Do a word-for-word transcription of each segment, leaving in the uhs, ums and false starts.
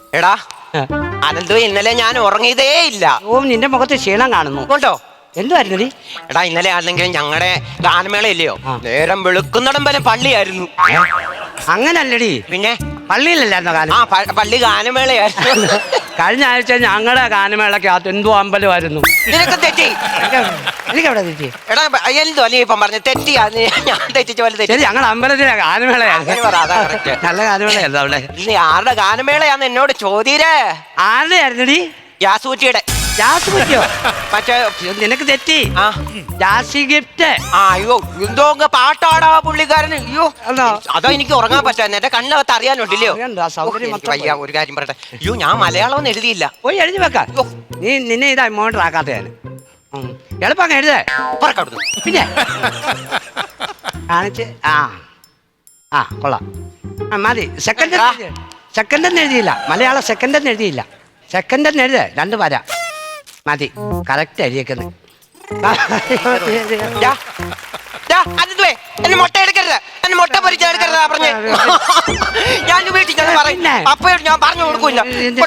എടാ അനന്തു, ഇന്നലെ ഞാൻ ഉറങ്ങിയതേ ഇല്ല. ഓ, നിന്റെ മുഖത്ത് ക്ഷീണം കാണുന്നു. ഉണ്ടോ? എന്തുവായിരുന്നു നീ? എടാ, ഇന്നലെ ആണെങ്കിലും ഞങ്ങളുടെ ഗാനമേള ഇല്ലയോ, നേരം വെളുക്കുന്നിടം വരെ പള്ളിയായിരുന്നു. അങ്ങനല്ലടി, പിന്നെ പള്ളിയിലല്ലായിരുന്നോ ഗാനം? ആ പള്ളി ഗാനമേളയായിരുന്നു. കഴിഞ്ഞ ആഴ്ച ഞങ്ങളുടെ ഗാനമേളക്കകത്ത് എന്തോ അമ്പലമായിരുന്നു. നിനക്ക് തെറ്റി. എനിക്കെവിടെ തെറ്റി? എടാ എന്തോ നീ ഇപ്പം പറഞ്ഞു തെറ്റി. ഞാൻ തെറ്റിച്ച പോലെ തെറ്റി. ശരി, ഞങ്ങളുടെ അമ്പലത്തിലെ ഗാനമേളയായിരുന്നു. നല്ല ഗാനമേളയായിരുന്നു അവിടെ. നീ ആരുടെ ഗാനമേളയാന്ന് എന്നോട് ചോദ്യരേ. ആരുടെ ആയിരുന്നടി? യാസൂറ്റിയുടെ. ജാസ് പറ്റിയോ? മറ്റേ നിനക്ക് തെറ്റി. ആ ജാസി ഗിഫ്റ്റ്. ആ അയ്യോ, എന്തോ പാട്ടാടാ പുള്ളിക്കാരന്. അയ്യോ, അതോ എനിക്ക് ഉറങ്ങാൻ പറ്റാ. എന്റെ കണ്ണകത്ത് അറിയാനുണ്ടല്ലോ. വയ്യ, ഒരു കാര്യം പറയട്ടെ. അയ്യോ, ഞാൻ മലയാളം ഒന്നും എഴുതിയില്ല. പോയി എഴുതി വെക്ക. നീ നിന്നെ ഇതാ മോട്ടർ ആക്കാത്ത ഞാൻ എളുപ്പം എഴുതേ. പറക്കവിടുന്നു. പിന്നെ കാണിച്ച് ആ ആ കൊള്ളാം. ആ മതി. സെക്കൻഡ് സെക്കൻഡ് എന്ന് എഴുതിയില്ല. മലയാളം സെക്കൻഡ് എന്ന് എഴുതിയില്ല. സെക്കൻഡ് എന്ന് എഴുതേ. രണ്ട് വര മതി. കറക്റ്റ് എഴുതിയേക്കുന്നത്. എന്നെ മുട്ട എടുക്കരുത്. എന്നെ മുട്ട പൊരിച്ച എടുക്കരുത് പറഞ്ഞേ. ഞാൻ വീട്ടിൽ ഞാൻ പറയും. അപ്പോഴും ഞാൻ പറഞ്ഞു കൊടുക്കൂല.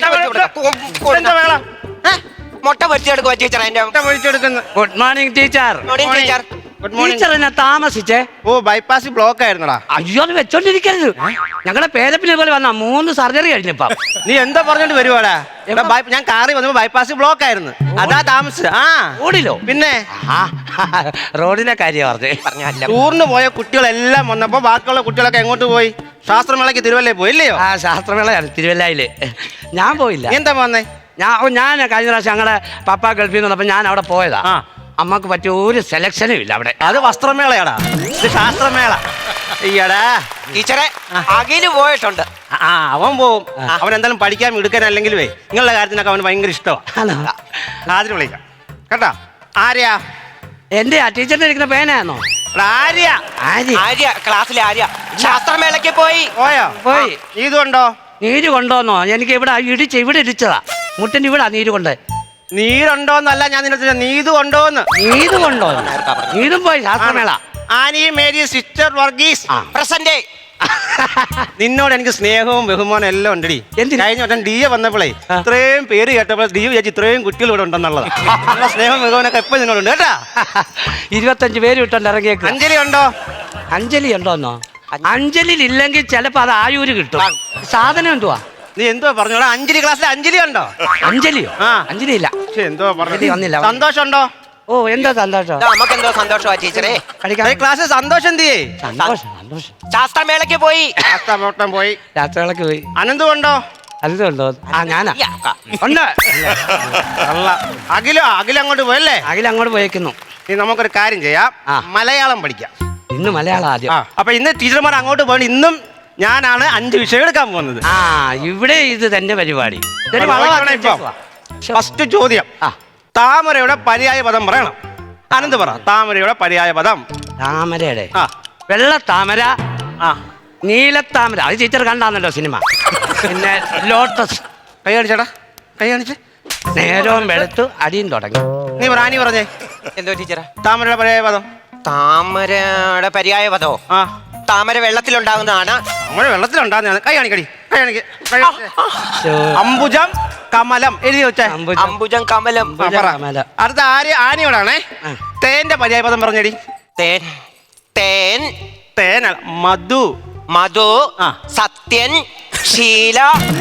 മുട്ട പൊരിച്ചെടുക്കുക ടീച്ചർ. എന്റെ മുട്ട പൊരിച്ചെടുക്കുന്നു. Good morning teacher. Morning teacher. Teacher എന്നെ താമസിച്ചേ. ഓ, ബൈപ്പാസ് ബ്ലോക്ക് ആയിരുന്നടാ. അയ്യോ, അത് വെച്ചോണ്ടിരിക്കരുത്. ഞങ്ങളുടെ പേരപ്പിനെ പോലെ വന്ന മൂന്ന് സർജറി കഴിഞ്ഞപ്പ. നീ എന്താ പറഞ്ഞോണ്ട് വരുവാടാ? ഞാൻ കാറി വന്നപ്പോ ബൈപ്പാസ് ബ്ലോക്ക് ആയിരുന്നു, അതാ താമസിച്ചത്. ആ റോഡിലോ? പിന്നെ റോഡിലെ കാര്യം പറഞ്ഞേ. പറഞ്ഞല്ല, ടൂറിന് പോയ കുട്ടികളെല്ലാം വന്നപ്പോ ബാക്കിയുള്ള കുട്ടികളൊക്കെ എങ്ങോട്ട് പോയി? ശാസ്ത്രമേളയ്ക്ക് തിരുവല്ലേ പോയി ഇല്ലയോ? ആ ശാസ്ത്രമേളയാണ് തിരുവല്ലയില്. ഞാൻ പോയില്ല. എന്താ വന്നേ? ഞാൻ ഞാൻ കഴിഞ്ഞ പ്രാവശ്യം ഞങ്ങളുടെ പപ്പ ഗൾഫിൽ നിന്ന് വന്നപ്പോ ഞാൻ അവിടെ പോയതാ. അമ്മക്ക് പറ്റിയ ഒരു സെലക്ഷനും ഇല്ല അവിടെ. അത് വസ്ത്രമേളയാടാ, ഇത് ശാസ്ത്രമേള. ഈയടാ ടീച്ചറെ അഖില് പോയിട്ടുണ്ട്. ആ അവൻ പോവും. അവൻ എന്തായാലും പഠിക്കാൻ എടുക്കാൻ അല്ലെങ്കിൽ നിങ്ങളുടെ കാര്യത്തിനൊക്കെ അവന് ഭയങ്കര ഇഷ്ടമാണ്. ആദ്യം വിളിക്കാം കേട്ടാ. ആര്യാ? എന്റെ ആ ടീച്ചറിന്റെ ഇരിക്കുന്ന പേനായിരുന്നോ? ആര്യ. ആര്യ ക്ലാസ്സിലെ ആര്യ ശാസ്ത്രമേളയ്ക്ക് പോയി. പോയോ? പോയി. നീതു ഉണ്ടോ? നീര് കൊണ്ടോന്നോ? എനിക്ക് ഇവിടെ ഇടിച്ച് ഇവിടെ ഇടിച്ചതാ. മുട്ടിന് ഇവിടെ നീര് കൊണ്ട്. നീരുണ്ടോന്നല്ല ഞാൻ നിന്നെ, നീതു ഉണ്ടോന്ന്. നീത് കൊണ്ടോ? നീതും പോയി ശാസ്ത്രമേള. Annie Mary sister Varghese present. നിന്നോട് എനിക്ക് സ്നേഹവും ബഹുമാനം എല്ലാം ഉണ്ടടി. കഴിഞ്ഞ വട്ടം ഡി എ വന്നപ്പോഴേ ഇത്രയും പേര് കേട്ടപ്പോൾ ഡി വിചാരിച്ചു ഇത്രയും കുട്ടികൾ ഇവിടെ ഉണ്ടെന്നുള്ളത്. സ്നേഹവും ബഹുമാനൊക്കെ എപ്പോഴും നിന്നോടുണ്ട് കേട്ടാ. ഇരുപത്തഞ്ച് പേര് വിട്ടുണ്ട് ഇറങ്ങിയേക്ക്. അഞ്ജലി ഉണ്ടോ? അഞ്ജലി ഉണ്ടോന്നോ? അഞ്ജലി ഇല്ലെങ്കിൽ ചിലപ്പോ അത് ആയൂര് കിട്ടും. സാധനം എന്തുവാ? നീ എന്തോ പറഞ്ഞോടാ? അഞ്ജലി ക്ലാസ്സിൽ അഞ്ജലി ഉണ്ടോ? അഞ്ജലിയോ? ആ അഞ്ജലി ഇല്ല. എന്തോ പറഞ്ഞു വന്നില്ല. സന്തോഷം ഉണ്ടോ? ഓ, എന്താ സന്തോഷം? നമുക്ക് എന്തോ സന്തോഷമാ ടീച്ചറെ. ക്ലാസ്സിൽ സന്തോഷം തീയേ. സന്തോഷം സന്തോഷം. ശാസ്ത്രമേളയ്ക്ക് പോയി. ശാസ്ത്രമേള പോയി. ശാസ്ത്രമേളക്ക് പോയി. അനന്തു ഉണ്ടോ? അനന്തു ഉണ്ടോ? ആ ഞാനാ ഉണ്ട്. അല്ല, അഖിലോ? അഖില അങ്ങോട്ട് പോയല്ലേ? അഖില അങ്ങോട്ട് പോയേക്കുന്നു. നീ നമുക്കൊരു കാര്യം ചെയ്യാം, മലയാളം പഠിക്കാം. ഇന്ന് മലയാളം ആദ്യം. അപ്പൊ ഇന്ന് ടീച്ചർമാർ അങ്ങോട്ട് പോയി. ഇന്നും ഞാനാണ് അഞ്ച് വിഷയം എടുക്കാൻ പോകുന്നത്. ആ ഇവിടെ ഇത് തന്നെ പരിപാടി. ഫസ്റ്റ് ചോദ്യം, താമരയുടെ പര്യായ പദം പറയണം. അനന്ത് പറ. താമരയുടെ പര്യായ പദം. താമരയുടെ ആ വെള്ള താമര, ആ നീലത്താമര. അത് ടീച്ചർ കണ്ടാന്നല്ലോ സിനിമ. പിന്നെ ലോട്ടസ്. കൈ കാണിച്ചേടാ, കൈ കാണിച്ച്. നേരവും വെളുത്തു അടിയും തുടങ്ങി. നീ പറ. നീ പറഞ്ഞേ എന്തോ ടീച്ചറെ? താമരയുടെ പര്യായ പദം. താമരയുടെ പര്യായ പദോ? ആ താമര വെള്ളത്തിലുണ്ടാകുന്നതാണ്. താമര വെള്ളത്തിലുണ്ടാകുന്നതാണ്. കൈ കാണിക്കടി, കൈ കാണിക്ക്. അംബുജം കമലം എഴുതി വെച്ചേ. അംബുജം കമലം. അടുത്ത ആര്യ ആനയോടാണേ. തേന്റെ പര്യായ പദം പറഞ്ഞടി. തേൻ. തേൻ. തേൻ മധു. മധു. സത്യൻ. ശീല.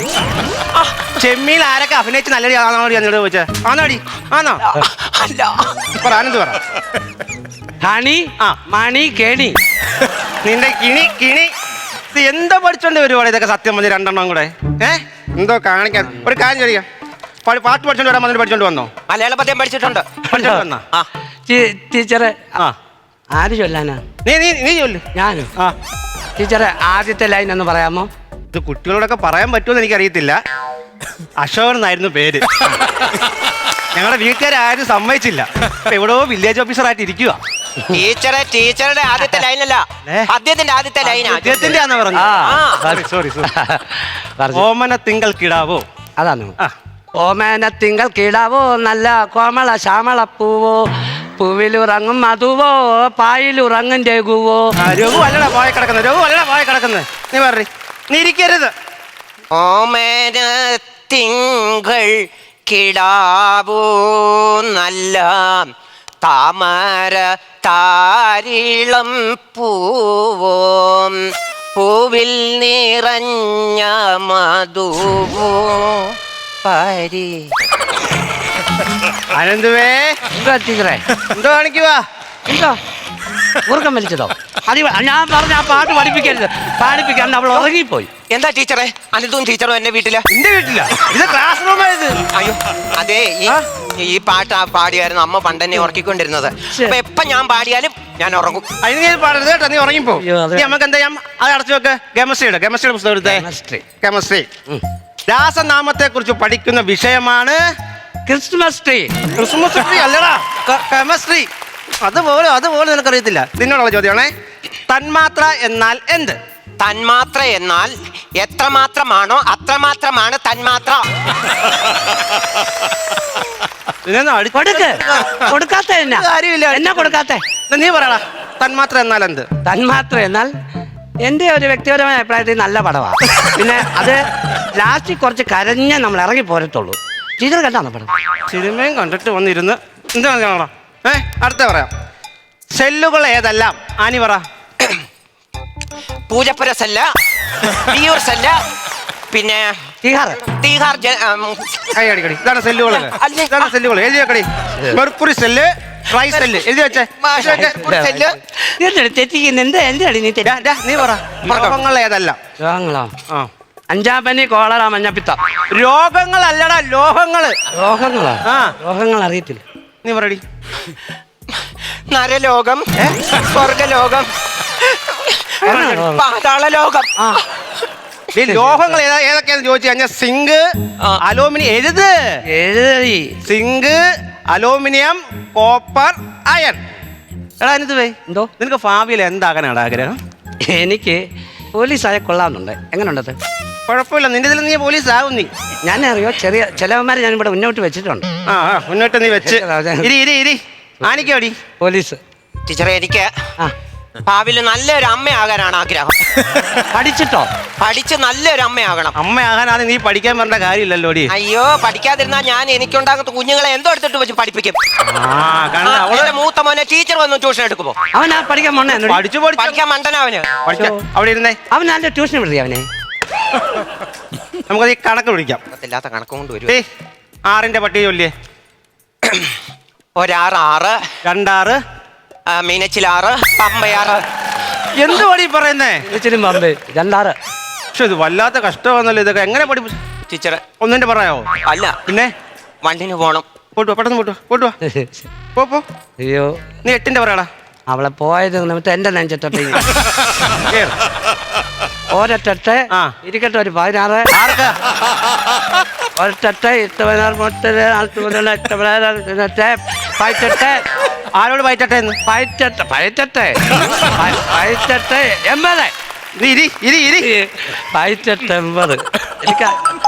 ചെമ്മീൻ ആരൊക്കെ അഭിനയിച്ച് നല്ലടി ആണോടി എന്നോട് ചോദിച്ചേ? ആണോടി? ആണോ? അല്ല. പറ ആനന്ദ് പറ. ഹണി. ആ മണി കേണി. നിന്റെ കിണി കിണി. ഇത് എന്താ പഠിച്ചോണ്ട് വരുവാണ് ഇതൊക്കെ? സത്യം പറഞ്ഞ രണ്ടെണ്ണം കൂടെ ഏ എന്തോ കാണിക്കാൻ. ഒരു കാര്യം ചോദിക്കാം, പാട്ട് പഠിച്ചോണ്ട് വരാൻ വന്നിട്ട് പഠിച്ചോണ്ട് വന്നോ? മലയാള പദ്യം പഠിച്ചിട്ടുണ്ട്. പഠിച്ചോണ്ട് വന്നാ? ടീച്ചറെ ആ ആര് ചൊല്ലാനാ? നീ നീ നീ ചൊല്ലു. ഞാനോ? ആ ടീച്ചറെ ആദ്യത്തെ ലൈൻ ഒന്ന് പറയാമോ? ഇത് കുട്ടികളോടൊക്കെ പറയാൻ പറ്റുമെന്ന് എനിക്കറിയത്തില്ല. അശോകൻ എന്നായിരുന്നു പേര്. ഞങ്ങളുടെ വീട്ടുകാരും സമ്മതിച്ചില്ല. എവിടെയോ വില്ലേജ് ഓഫീസറായിട്ട് ഇരിക്കുക. ടീച്ചറെ ടീച്ചറുടെ ആദ്യത്തെ ലൈനല്ല, അദ്ദേഹത്തിന്റെ ആദ്യത്തെ ലൈനാ. അദ്ദേഹത്തിന്റെ ആണെന്ന് പറഞ്ഞു. Sorry sorry. ഓമന തിങ്കൾ കിടാവോ? അതാണ്. ഓമന തിങ്കൾ കിടാവോ നല്ല കോമള ശ്യാമള പൂവോ പൂവിലുറങ്ങും മധുവോ പായിലുറങ്ങും രഘുവോ. രഘു അല്ലടാ പോയ കിടക്കുന്നത്. രഘു അല്ലടാ പോയ കിടക്കുന്നത്. നീ പറ. നീ ഇരിക്കരുത്. ഓമന തിങ്കൾ കിടാവൂ നല്ല താമര താരിളം പൂവും പൂവിൽ നിറഞ്ഞ മധുവോ പരി. അനന്തുവേ എന്താ ടീച്ചറെ? എന്തോ കാണിക്കുവാ? എന്തോ ഉറക്കം വലിച്ചതോ? അത് ഞാൻ പറഞ്ഞ ആ പാട്ട് പഠിപ്പിക്കരുത്, പാടിപ്പിക്കാൻ അവൾ ഉറങ്ങിപ്പോയി. എന്താ ടീച്ചറെ അനിതും ടീച്ചറും എന്റെ വീട്ടില്? എന്റെ വീട്ടില ഇത് ക്ലാസ് റൂമായത്. അയ്യോ അതെ, ഈ ഈ പാട്ട് ആ പാടിയായിരുന്നു അമ്മ പണ്ടെന്നെ ഉറക്കിക്കൊണ്ടിരുന്നത്. അപ്പൊ എപ്പൊ ഞാൻ പാടിയാലും ഞാൻ ഉറങ്ങും. അതിന് ഞാൻ പാടരുത് കേട്ടോ, നീ ഉറങ്ങിപ്പോ. അയ്യോ, അതെ. നീ നമുക്ക് എന്താ ചെയ്യാം, അത് അടച്ചു വെക്ക്. കെമിസ്ട്രിയുടെ കെമിസ്ട്രിയുടെ പുസ്തകം എടുത്തേ. Chemistry. കെമിസ്ട്രി. രാസനാമത്തെ കുറിച്ച് പഠിക്കുന്ന വിഷയമാണ് ക്രിസ്മസ് ട്രീ. ക്രിസ്മസ് ട്രീ അല്ലടാ, കെമിസ്ട്രി. അതുപോലെ അതുപോലെ നിനക്കറിയത്തില്ല. നിന്നോടുള്ള ചോദ്യമാണേ. തന്മാത്ര എന്നാൽ എന്ത്? തന്മാത്ര എന്നാൽ എത്രമാത്രമാണോ അത്രമാത്രമാണ് തന്മാത്ര. നിന്നെ അടി- കൊടുക്ക്. കൊടുക്കാത്ത എന്നാ? കാര്യമില്ല. എന്നാ കൊടുക്കാത്ത? നീ പറയടാ, തന്മാത്ര എന്നാൽ എന്ത്? തന്മാത്ര എന്നാൽ എൻ്റെ ഒരു വ്യക്തിപരമായ അഭിപ്രായത്തിൽ നല്ല പടമാണ്. പിന്നെ അത് ലാസ്റ്റിൽ കുറച്ച് കരഞ്ഞേ നമ്മൾ ഇറങ്ങി പോരത്തുള്ളൂ. ടീച്ചർ കണ്ടാണോ പടം? സിനിമയും കണ്ടിട്ട് വന്നിരുന്ന് എന്താണ് കാണാ? ഏ അടുത്ത പറയാം. സെല്ലുകൾ ഏതെല്ലാം? ആനി പറ. പൂജപ്പുര സെല്ല്, വിയൂർ സെല്ല്, പിന്നെ ടീഹാർ. തീഹാർ ജ- ഉം, കൈ അടിക്കടി. ഇതാണ് സെല്ലുകൾ. അല്ലേ? ഇതാണ് സെല്ലുകൾ. എഴുതി വെക്കടി. മെർക്കുറി സെല്ല്, ട്രൈ സെല്ല് എഴുതി വെച്ചേ. മാഷ് ഒരു സെല്ല്. എന്താണ് തെറ്റിക്കുന്നത്? എന്താ എന്താണ് നീ തെറ്റി? ഡാ, ഡാ, നീ പറ. രോഗങ്ങൾ ഏതെല്ലാം? രോഗങ്ങളോ? ആ അഞ്ചാപ്പനി, കോളറ, മഞ്ഞപ്പിത്തം. രോഗങ്ങളല്ലടാ, ലോഹങ്ങള്. രോഗങ്ങളോ? ആ. രോഗങ്ങൾ അറിയത്തില്ല. നീ പറയടി. നരലോകം, സ്വർഗലോകം, പാതാളലോകം. ആ, ഈ ലോഹങ്ങൾ ഏതാ ഏതൊക്കെയാന്ന് ചോദിച്ചു കഴിഞ്ഞാൽ സിങ്ക്, ആ. അലൂമിനിയം. എഴുത്. എഴുതി. Zinc, aluminium, copper, iron. എടാ എന്നിട്ട് പോയി. എന്തോ? നിനക്ക് ഭാവിയിൽ എന്താകാനാണ് ആഗ്രഹം? എനിക്ക് പോലീസായ കൊള്ളാമെന്നുണ്ട്. എങ്ങനെയുണ്ടത്? കുഴപ്പമില്ല, നിന്റെ ഇതിൽ നീ പോലീസ് ആവും. നീ ഞാൻ അറിയോ, ചെറിയ ചിലവന്മാരെ ഞാൻ ഇവിടെ മുന്നോട്ട് വെച്ചിട്ടുണ്ട്. ആ ആ, മുന്നോട്ട് നീ വെച്ച് ഇരി ഇരി ഇരി ആനിക്കോടി. പോലീസ്. ടീച്ചറെ എനിക്ക് ആ, ഭാവിയിൽ നല്ലൊരു അമ്മയാകാനാണ് ആഗ്രഹം. പഠിച്ചിട്ടോ? പഠിച്ച് നല്ലൊരു അമ്മയാകണം. അമ്മയാകാനാണ് നീ പഠിക്കാൻ പറഞ്ഞ കാര്യമില്ലല്ലോടി. അയ്യോ പഠിക്കാതിരുന്നാൽ ഞാൻ എനിക്കുണ്ടാകുന്ന കുഞ്ഞുങ്ങളെ എന്തോ എടുത്തിട്ട് വെച്ച് പഠിപ്പിക്കും. ആ കണ്ട ആ, അവള് എന്റെ മൂത്ത മോനെ ടീച്ചർ വന്ന് ട്യൂഷൻ എടുക്കുമോ? അവൻ ആ പഠിക്കാൻ പോണേ? പഠിച്ചു പഠിച്ചു പഠിക്കാൻ മണ്ടനവന്. പഠിക്കാം. അവിടെ ഇരുന്നേ. അവൻ നല്ല ട്യൂഷൻ വിടുതി അവനെ. നമുക്കത് ഈ കണക്ക് വിളിക്കാം. ഇല്ലാത്ത കണക്കും കൊണ്ട് വരും. ഏയ് ആറിന്റെ പട്ടിക ചൊല്ലിയേ. ഒരാറ് ആറ്, രണ്ടാറ്, ആ, മീനച്ചിലാറ്, പമ്പയാറ്. എന്ത് പടി പറയുന്നേ? ഇച്ചിരി പമ്പ്. രണ്ടാറ്. പക്ഷെ ഇത് വല്ലാത്ത കഷ്ടമാണല്ലോ. ഇതൊക്കെ എങ്ങനെ പഠി ടീച്ചറെ ഒന്നിന്റെ പറയാവോ? അല്ല, പിന്നെ വണ്ടിന് പോണം. പോട്ടുവാ, പെട്ടെന്ന് പോട്ടുവാ, പോട്ടുവാ. പോ പോ. അയ്യോ, നീ എട്ടിന്റെ പറയാടാ. അവളെ പോയത് നിമിത്തം എന്റെ നെഞ്ചത്തൊട്ട് കേറ്. ഒരൊട്ടെ ആ. ഇരിക്കട്ടെ. ഒരു പതിനാറ്. ആർക്ക്? ഒരൊട്ടെ എട്ട് പതിനാറ് മുപ്പത് നാൽപ്പത് മുതൽ എട്ട് പതിനാറ് പതിനെട്ട് ആരോട് പയറ്റട്ടെ എന്ന്? പതിനെട്ട് പതിനെട്ട് പതിനെട്ട് എൺപത്. നീ ഇരി ഇരി ഇരി. പതിനെട്ട് എൺപത്. എനിക്ക്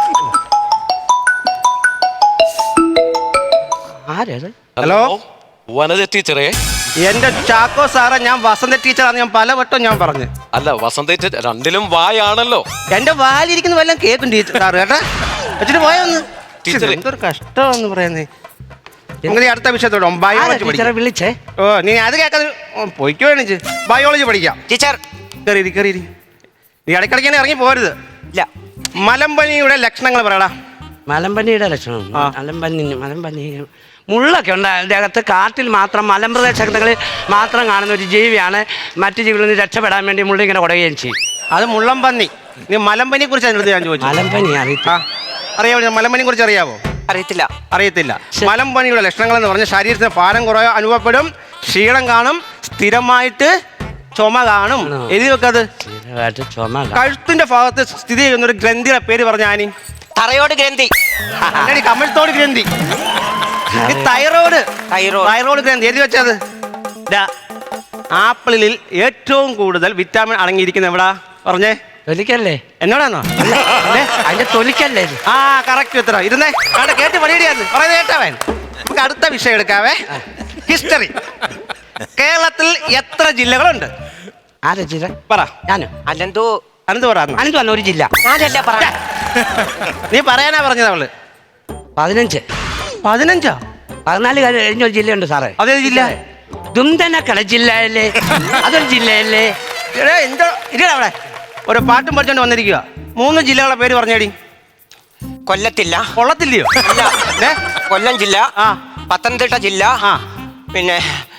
ആരത്? ഹലോ വനജ ടീച്ചറെ. എന്റെ ചാക്കോ സാറേ, ഞാൻ വസന്ത ടീച്ചറാന്ന് ഞാൻ പലവട്ടം ഞാൻ പറഞ്ഞു. അല്ല വസന്ത ടീച്ചർ രണ്ടിലും വായാണല്ലോ. എന്റെ വാലിരിക്കുന്ന വല്ലതും കേൾക്കും ടീച്ചർ സാറ് കേട്ടാ. വെച്ചിട്ട് പോയൊന്ന്. ടീച്ചറെ. എന്തൊരു കഷ്ടമെന്ന് പറയുന്നേ. നിങ്ങൾ അടുത്ത വിഷയത്തോടെ ബയോളജി ടീച്ചറെ പഠിക്കാം. വിളിച്ചേ. ഓ നീ അത് കേൾക്കാതെ പൊയ്ക്കോ എണീച്ച് ബയോളജി പഠിക്കാം. ടീച്ചർ കയറി കയറി. നീ ഇടയ്ക്കിടയ്ക്ക് ഇറങ്ങി പോരുത്. ഇല്ല. മലമ്പനിയുടെ ലക്ഷണങ്ങൾ പറയടാ. മലമ്പനിയുടെ ലക്ഷണം. ആ. മലമ്പനി മലമ്പനി മുള്ളൊക്കെ ഉണ്ട് അതിൻ്റെ അകത്ത്. കാട്ടിൽ മാത്രം മലമ്പ്രദേശങ്ങളിൽ മാത്രം കാണുന്ന ഒരു ജീവിയാണ്. മറ്റു ജീവികളിൽ നിന്ന് രക്ഷപ്പെടാൻ വേണ്ടി മുള്ളി ഇങ്ങനെ കുടയുകയും ചെയ്യും. അത് മുള്ളംപന്നി. നീ മലമ്പനിയെ കുറിച്ച് അതിനടുത്ത് ഞാൻ ചോദിച്ചു. മലമ്പനി അറിയത്തില്ല. അറിയാമോ? മലമ്പനിയെ കുറിച്ച് അറിയാവോ? അറിയത്തില്ല. അറിയത്തില്ല. മലമ്പനിയുടെ ലക്ഷണങ്ങൾ എന്ന് പറഞ്ഞാൽ ശരീരത്തിന് ഭാരം കുറവ് അനുഭവപ്പെടും, ക്ഷീണം കാണും, സ്ഥിരമായിട്ട് ചുമ കാണും. എഴുതി വെക്കത്. സ്ഥിരമായിട്ട് ചുമ കാണും. കഴുത്തിന്റെ ഭാഗത്ത് സ്ഥിതി ചെയ്യുന്ന ഒരു ഗ്രന്ഥിയുടെ പേര് പറഞ്ഞ ആനി. തറയോട് ഗ്രന്ഥി. കമഴ്ത്തോട് ഗ്രന്ഥി. ഈ തൈറോയ്ഡ് തൈറോയ്ഡ്. തൈറോയ്ഡ് ഗ്രന്ഥി എഴുതി വെച്ചത്. ദാ, ആപ്പിളിൽ ഏറ്റവും കൂടുതൽ വിറ്റാമിൻ അടങ്ങിയിരിക്കുന്ന എവിടാ പറഞ്ഞേ? തൊലിക്കല്ലേ? എന്നോടാണോ? അതിന്റെ തൊലിക്കല്ലേ ഇത്? ആ കറക്റ്റ് ഉത്തരം. ഇരുന്നേ അവിടെ കേട്ട് പണിയിടിയാന്ന് പറയുന്നത് കേട്ടവൻ. നമുക്ക് അടുത്ത വിഷയം എടുക്കാവേ. ഹിസ്റ്ററി. കേരളത്തിൽ എത്ര ജില്ലകളുണ്ട്? ആരാ ജില്ല? പറ. ഞാനോ? അല്ലെന്തോ അനന്ത് പറ. അനന്ത് വന്ന ഒരു ജില്ല. ഞാനല്ല പറയാ. നീ പറയാനാ പറഞ്ഞത് അവള് പതിനഞ്ച് പതിനഞ്ചാ പതിനാല് കഴിഞ്ഞ ഒരു ജില്ലയുണ്ട് സാറേ. അതേ ജില്ല? ദുംതനക്കട ജില്ലയല്ലേ, അതൊരു ജില്ലയല്ലേ. എടാ എന്തോ ഇരിടാ അവിടെ ഒരു പാട്ടും പഠിച്ചോണ്ട് വന്നിരിക്കുക. മൂന്ന് ജില്ലകളെ പേര് പറഞ്ഞേടി. കൊല്ലത്തില്ല. കൊള്ളത്തില്ലയോ? അല്ല. ഏ? കൊല്ലം ജില്ല, ആ. പത്തനംതിട്ട ജില്ല, ആ. പിന്നെ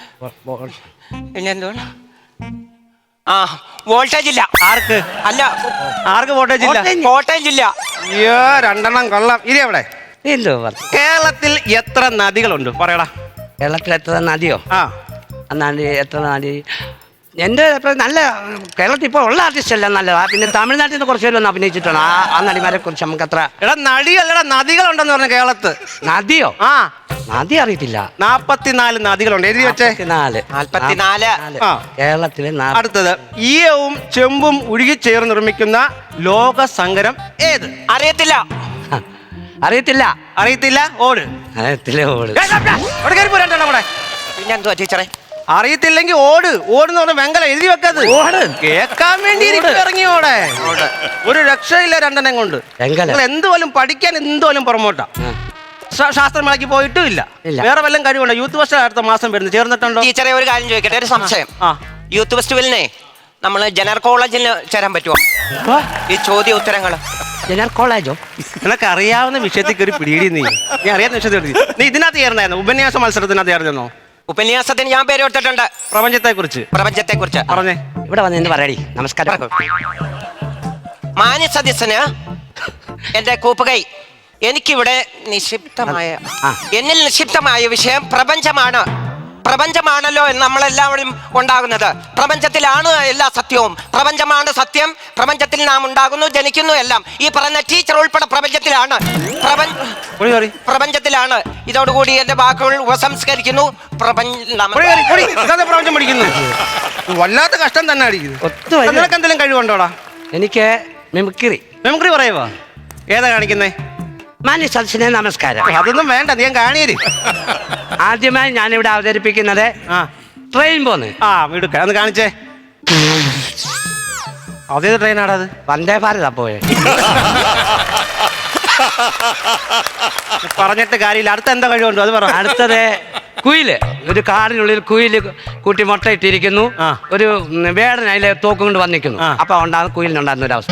പിന്നെ എന്തുവാണ്, ആ വോൾട്ടേജ് ഇല്ല. ആർക്ക്? അല്ല, ആർക്ക് വോട്ടേജ് ഇല്ല? കോട്ടയം ജില്ല. അയ്യോ രണ്ടെണ്ണം കൊള്ളാം. ഇരി അവിടെ. എന്തോ പറഞ്ഞു. കേരളത്തിൽ എത്ര നദികളുണ്ട് പറയടാ. കേരളത്തിൽ എത്ര നദിയോ? ആ നദി എത്ര നദി? എൻ്റെ അഭിപ്രായം നല്ല കേരളത്തിൽ ഇപ്പോൾ ഉള്ള ആർട്ടിസ്റ്റ് എല്ലാം നല്ലതാ. പിന്നെ തമിഴ്നാട്ടിൽ നിന്ന് കുറച്ച് പേര് ഒന്ന് അഭിനയിച്ചിട്ടാണ് ആ ആ നടിമാരെ കുറിച്ച് നമുക്ക് അത്ര. എടാ നടിയല്ലടാ നദികളുണ്ടെന്ന് പറഞ്ഞു കേരളത്ത്. നദിയോ? ആ നദി അറിയത്തില്ല. നാപ്പത്തിനാല് നദികളുണ്ട്. എഴുതി വെച്ചേ. നാല് നാൽപ്പത്തിനാല്. ആ. കേരളത്തിലെ നാ- അടുത്തത് ഈയവും ചെമ്പും ഉരുകിച്ചേർന്ന് നിർമ്മിക്കുന്ന ലോക സങ്കരം ഏത്? അറിയത്തില്ല. അറിയത്തില്ല. അറിയത്തില്ല. ഓട്. അറിയത്തില്ല. ഓട്. ഏ, ദാ, ദാ, അവിടെ കയറി പോരാ കൂടെ. പിന്നെ എന്തുവാ ടീച്ചറെ? അറിയത്തില്ലെങ്കിൽ ഓട്. ഓടുന്ന് പറഞ്ഞ വെങ്കല എഴുതി വെക്കത്. ഓട്. കേക്കാൻ വേണ്ടി ഇറങ്ങി ഓടെ. ഒരു രക്ഷയില്ല രണ്ടെണ്ണം കൊണ്ട്. വെങ്കല. നിങ്ങൾ എന്തുപോലും പഠിക്കാൻ എന്തുപോലും പുറമോട്ടാ. ശാസ്ത്രമേളയ്ക്ക് പോയിട്ടും ഇല്ല. ഇല്ല. വേറെ വല്ലതും കഴിവുണ്ടോ? യൂത്ത് ഫെസ്റ്റ് അടുത്ത മാസം വരുന്നത് ചേർന്നിട്ടുണ്ടോ? ടീച്ചറെ ഒരു കാര്യം ചോദിക്കട്ടെ, ഒരു സംശയം. ആ യൂത്ത് ഫെസ്റ്റിവലിനെ നമ്മൾ ജനറൽ കോളേജിൽ ചേരാൻ പറ്റുമോ? ഈ ചോദ്യ ഉത്തരങ്ങൾ ജനറൽ കോളേജോ? നിനക്ക് അറിയാവുന്ന വിഷയത്തിൽ കയറി പിടിയിടി. നീ നീ അറിയാവുന്ന വിഷയത്തിൽ നീ ഇതിനകത്ത് ചേർന്നായിരുന്നു. ഉപന്യാസ മത്സരത്തിനകത്ത് ചേർന്നോ? ഉപന്യാസത്തിന് ഞാൻ പേര് കൊടുത്തിട്ടുണ്ട്. പ്രപഞ്ചത്തെ കുറിച്ച്. പ്രപഞ്ചത്തെ കുറിച്ച് പറഞ്ഞേ. ഇവിടെ വന്ന് എന്ന് പറയടി. നമസ്കാരം. മാന്യ സദസ്യന് എന്റെ കൂപ്പുകൈ. എനിക്കിവിടെ നിക്ഷിപ്തമായ ആ. എന്നിൽ നിക്ഷിപ്തമായ വിഷയം പ്രപഞ്ചമാണ്. പ്രപഞ്ചമാണല്ലോ നമ്മളെല്ലാവരും ഉണ്ടാകുന്നത്. പ്രപഞ്ചത്തിലാണ് എല്ലാ സത്യവും. പ്രപഞ്ചമാണ് സത്യം. പ്രപഞ്ചത്തിൽ നാം ഉണ്ടാകുന്നു, ജനിക്കുന്നു, എല്ലാം ഈ പറഞ്ഞ ടീച്ചർ ഉൾപ്പെടെ പ്രപഞ്ചത്തിലാണ്. പ്രപഞ്ച പ്രപഞ്ചത്തിലാണ്. ഇതോടുകൂടി എന്റെ വാക്കുകൾ ഉപസംസ്കരിക്കുന്നു. പ്രപഞ്ചം പഠിക്കുന്നു. വല്ലാത്ത കഷ്ടം തന്നെ അടിക്കുന്നു. നിനക്ക് എന്തെങ്കിലും കഴിവുണ്ടോടാ? എനിക്ക് മിമിക്രി. മിമിക്രി പറയുവാ? ഏതാ കാണിക്കുന്നേ? മാന്യ സദസ്സിനെ നമസ്കാരം. അതൊന്നും വേണ്ട, നീ കാണിയര്. ആദ്യമായി ഞാനിവിടെ അവതരിപ്പിക്കുന്നത് ആ ട്രെയിൻ പോന്ന്. ആ വീടുക്ക ഒന്ന് കാണിച്ചേ. അതേത് ട്രെയിനാടാ അത്? വന്ദേ ഭാരതാ പോയെ. പറഞ്ഞിട്ട് കാര്യമില്ല. അടുത്ത എന്താ കഴിവുണ്ടോ അത് പറ. അടുത്തത് കുയില്. ഒരു കാടിനുള്ളിൽ കുയില് കൂട്ടി മുട്ടയിട്ടിരിക്കുന്നു. ആ. ഒരു വേടൻ അതിലെ തോക്കും കൊണ്ട് വന്നിരിക്കുന്നു. ആ. അപ്പൊ ഉണ്ടാകുന്ന കുയിലിനുണ്ടാകുന്ന ഒരു അവസ്ഥ.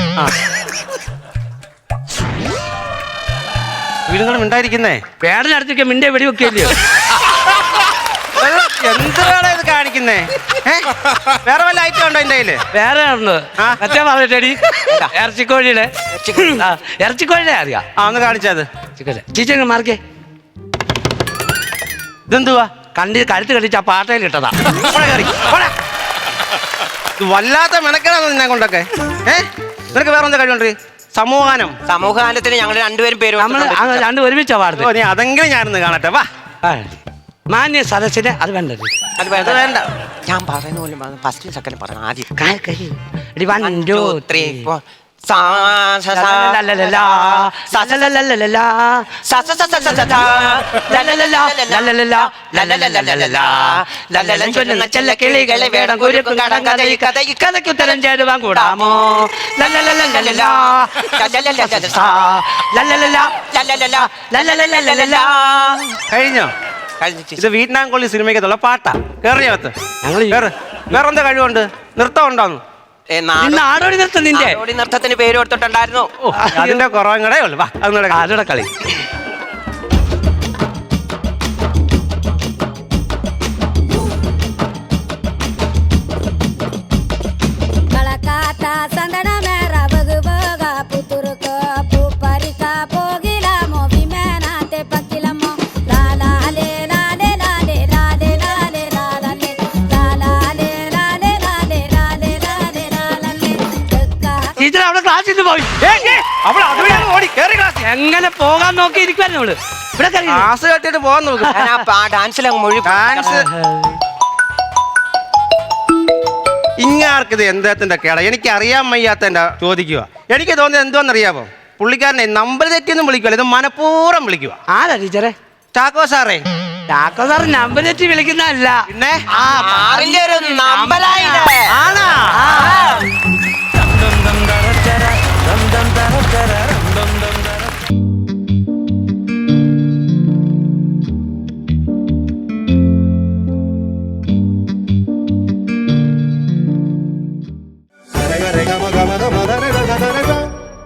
വീടുകളും ഉണ്ടായിരിക്കുന്നേ. വേടനടുത്തേക്ക് മിന്റെ വെടിവെക്കില്ലയോ? എന്താണ് ഇത് കാണിക്കുന്നേ? വേറെ വല്ല ഐറ്റം ഉണ്ടോ എന്റെ കയ്യില്? വേറെ ഉണ്ട്. ആ. മറ്റേ പറഞ്ഞിട്ടടി ഇറച്ചിക്കോഴിയുടെ ആ, ഇറച്ചിക്കോഴിയുടെ അറിയാം. ആ ഒന്ന് കാണിച്ചത്. ചീച്ചങ്ങ് മാർക്കേ. ഇതെന്തുവാ? കണ്ടി കഴുത്ത് കടിച്ച് ആ പാട്ടയിൽ ഇട്ടതാ. ഇത് വല്ലാത്ത മെനക്കെടാന്ന് നിന്നെ കൊണ്ടൊക്കെ. ഏ നിനക്ക് വേറെ എന്താ കഴിവുണ്ട്? സമൂഹാനം. സമൂഹഗാനത്തിന് ഞങ്ങൾ രണ്ടുപേരും പേര് നമ്മള് രണ്ടും ഒരുമിച്ചാ പാടുന്നത്. ഓ നീ അതെങ്കിലും ഞാനൊന്ന് കാണട്ടെ. വാ. മാന്യ സദസ്സിന് അത് വേണ്ടത്. അത് വേണ്ട വേണ്ട. ഞാൻ പറയുന്ന പോലും ഫസ്റ്റ് സെക്കൻഡ് പറഞ്ഞു ആദ്യം. One two three four. കിളികളെ വേണം കുരുക്കും കടം കഥ ഈ കഥ ഈ കഥയ്ക്ക് ഉത്തരം ചേരുവാൻ കൂടാമോ? കഴിഞ്ഞോ? ഇത് വിയറ്റ്നാം കൊള്ളി സിനിമയ്ക്കത്തുള്ള പാട്ടാ. കേറിയകത്ത് ഞങ്ങൾ വേറെ എന്താ കഴിവുണ്ട്? നൃത്തം ഉണ്ടോന്ന്? നാടോടി നൃത്തം. നിന്റെ നാടോടി നൃത്തത്തിന് പേര് കൊടുത്തിട്ടുണ്ടായിരുന്നു. അതിന്റെ കുറവും കൂടെ ഉള്ളു. വാ അതിനോടെ കളി. എങ്ങനെ പോകാൻ നോക്കി ഇരിക്കുവായിരുന്നു അവള്. ഇവിടെ ക്ലാസ് കെട്ടിട്ട് പോകാൻ നോക്കും. ഡാൻസിലങ്ങ് മൊഴി. ഡാൻസ് ഇങ്ങാർക്കിത് എന്തത്തിന്റെ കേട? എനിക്ക് അറിയാൻ വയ്യാത്ത എന്റെ ചോദിക്കുക. എനിക്ക് തോന്നിയത് എന്തോന്നറിയാമോ? പുള്ളിക്കാരനെ നമ്പർ തെറ്റിയൊന്നും വിളിക്കുവല്ല, ഇത് മനഃപൂർവ്വം വിളിക്കുക. ആരാ ടീച്ചറെ? ചാക്കോ സാറേ. ചാക്കോ സാറ് നമ്പർ തെറ്റി വിളിക്കുന്നതല്ല. പിന്നെ ഒരു നമ്പലായില്ലേ? ആണാ? रे ग म ग म ग म ध रे